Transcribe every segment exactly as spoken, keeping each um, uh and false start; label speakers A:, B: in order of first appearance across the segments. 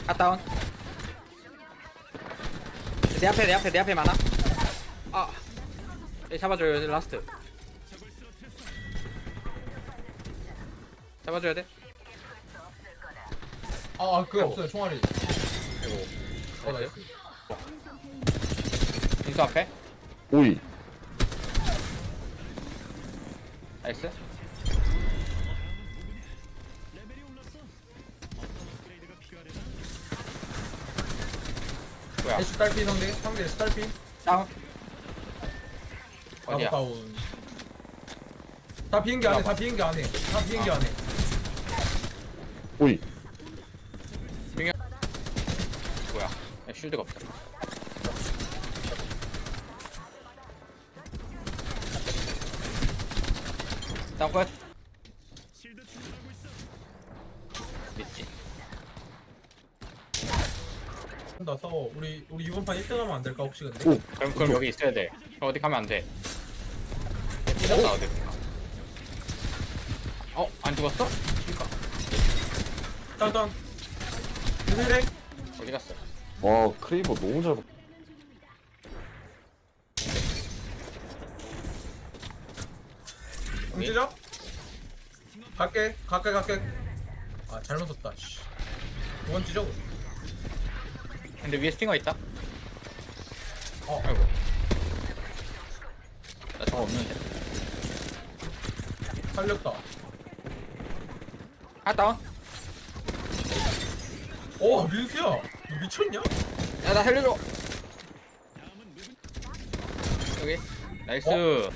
A: 핫다운. 내 앞에 내 앞에 내 앞에 많아. 아, 예, 잡아줘요 라스트. 잡아줘야 돼.
B: 아, 그게
A: 아이고.
B: 없어요, 총알이.
A: 아이고.
B: 어, 나이스.
A: 인수 앞에.
C: 오이.
A: 나이스. 뭐야?
B: 애쉬 딸피 상대, 상대 애쉬 딸피.
A: 다운.
B: 나도
A: 어디야?
B: 다운. 다 비행기 안에, 다 비행기 안에. 다 비행기
A: 아.
B: 안에.
C: 오이.
A: 뭐야? 야, 쉴드가 없어. 다운 끝. 믿지.
B: 나 싸워. 우리, 우리 이번 판 일 등 하면 안 될까, 혹시 근데?
C: 오.
A: 그럼 그럼 여기 있어야 돼. 그럼 어디 가면 안 돼. 삐졌다 어디. 어? 안 죽었어?
B: 딴, 딴. 유일해?
A: 어디 갔어?
C: 와 크레이버 너무 잘. 봐.
B: 움직여? 갈게, 갈게, 갈게. 아, 잘못 썼다, 씨. 두 번 찢어.
A: 근데 위에 스팅어 있다.
B: 어,
A: 아이고. 나 저거 없는데.
B: 살렸다.
A: 아 다운.
B: 오, 민수야! 너 미쳤냐?
A: 야 나 살려줘. 여기. 나이스.
B: 어?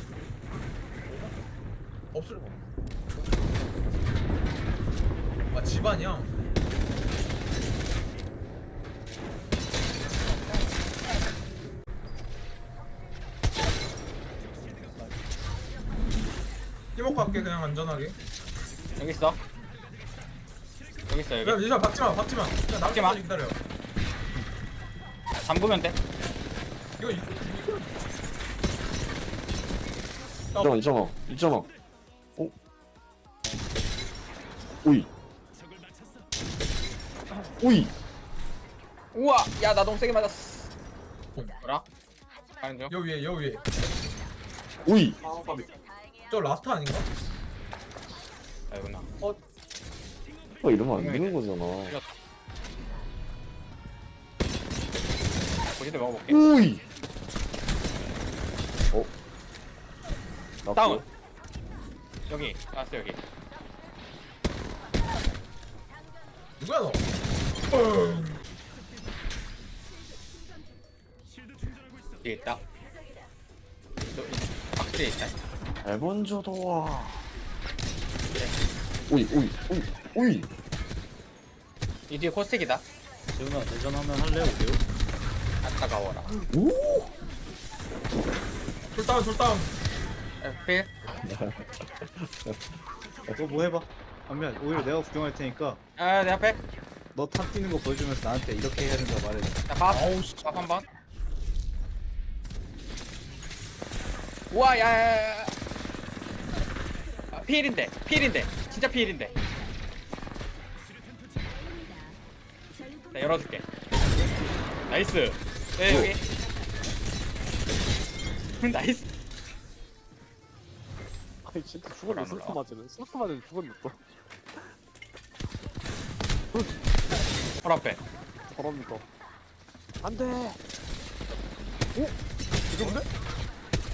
B: 없을 아, 집안이야. 이먹고 갈게, 그냥 안전하게.
A: 여기 있어. 여기 있어
B: 야,
A: 여기.
B: 민수야, 박지마, 박지마. 그냥
A: 박지 마.
B: 나머지 기다려.
A: 잠그면 돼.
B: 이거, 이거.
C: 있잖아 있잖아 있잖아. 어? 오이. 오이.
A: 우와. 야 나 너무 세게 맞았어.
B: 봄.
A: 뭐라? 가는 중.
B: 여 위에, 여 위에.
C: 오이.
B: 저 라스트 아닌가?
A: 아이구나.
C: 어 이러면 안 되는 거잖아.
A: 고시대 먹어볼게.
C: 오이. 어? 나
A: 다운. 여기. 나왔어 여기.
B: 누구야, 너?
A: 뒤에 있다. 저, 박스에 있다.
C: 잘 먼저 도와. 오이 오이 오이 오이.
A: 이 뒤에 코스틱이다.
D: 재훈아 대전하면 할래 오세요?
A: 아 따가워라.
C: 오.
B: 돌다운, 돌다운.
A: 필.
D: 너 뭐 해봐. 안면 오히려 내가 구경할 테니까
A: 아내 앞에.
D: 너 탑 뛰는 거 보여주면서 나한테 이렇게 해야 된다 말해줘.
A: 자 밥.
B: 아우, 씨.
A: 밥 한 번. 우와 야야야. 아, 필인데 필인데 진짜 필인데. 나 열어줄게. 나이스. 네 여기. 나이스.
E: 아니 진짜 죽었네.
A: 안
E: 슬프
A: 올라와.
E: 맞으네. 슬프 맞으면 죽었네 또.
A: 헐 앞에.
E: 저럽니다. 안돼. 오? 이건데?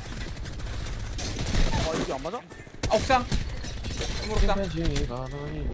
E: 아 이게 안 맞아?
A: 아 옥상. 옥상.
C: 집안이